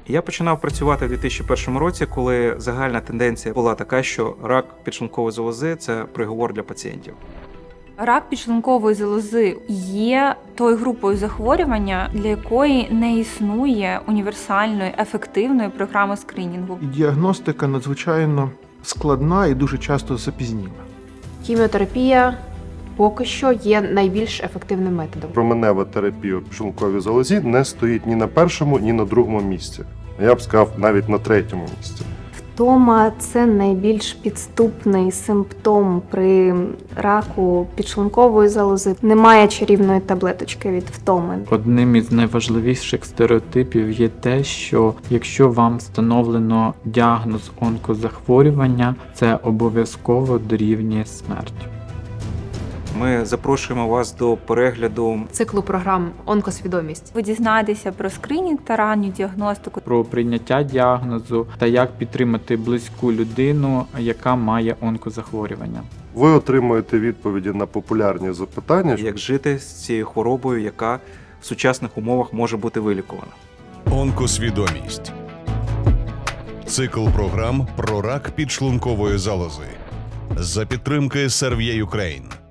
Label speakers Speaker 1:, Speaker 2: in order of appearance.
Speaker 1: Я починав працювати у 2001 році, коли загальна тенденція була така, що рак підшлункової залози – це приговор для пацієнтів.
Speaker 2: Рак підшлункової залози є тою групою захворювання, для якої не існує універсальної, ефективної програми скринінгу.
Speaker 3: Діагностика надзвичайно складна і дуже часто запізніла.
Speaker 4: Хіміотерапія поки що є найбільш ефективним методом.
Speaker 5: Променева терапія у підшлунковій залозі не стоїть ні на першому, ні на другому місці. Я б сказав, навіть на третьому місці.
Speaker 6: Втома – це найбільш підступний симптом при раку підшлункової залози. Немає чарівної таблеточки від втоми.
Speaker 7: Одним із найважливіших стереотипів є те, що якщо вам встановлено діагноз онкозахворювання, це обов'язково дорівнює смертю.
Speaker 1: Ми запрошуємо вас до перегляду
Speaker 4: Циклу програм «Онкосвідомість».
Speaker 2: Ви дізнаєтеся про скринінг та ранню діагностику.
Speaker 7: Про прийняття діагнозу та як підтримати близьку людину, яка має онкозахворювання.
Speaker 5: Ви отримуєте відповіді на популярні запитання.
Speaker 1: як жити з цією хворобою, яка в сучасних умовах може бути вилікувана.
Speaker 8: Онкосвідомість. Цикл програм про рак підшлункової залози. За підтримки Servier Ukraine.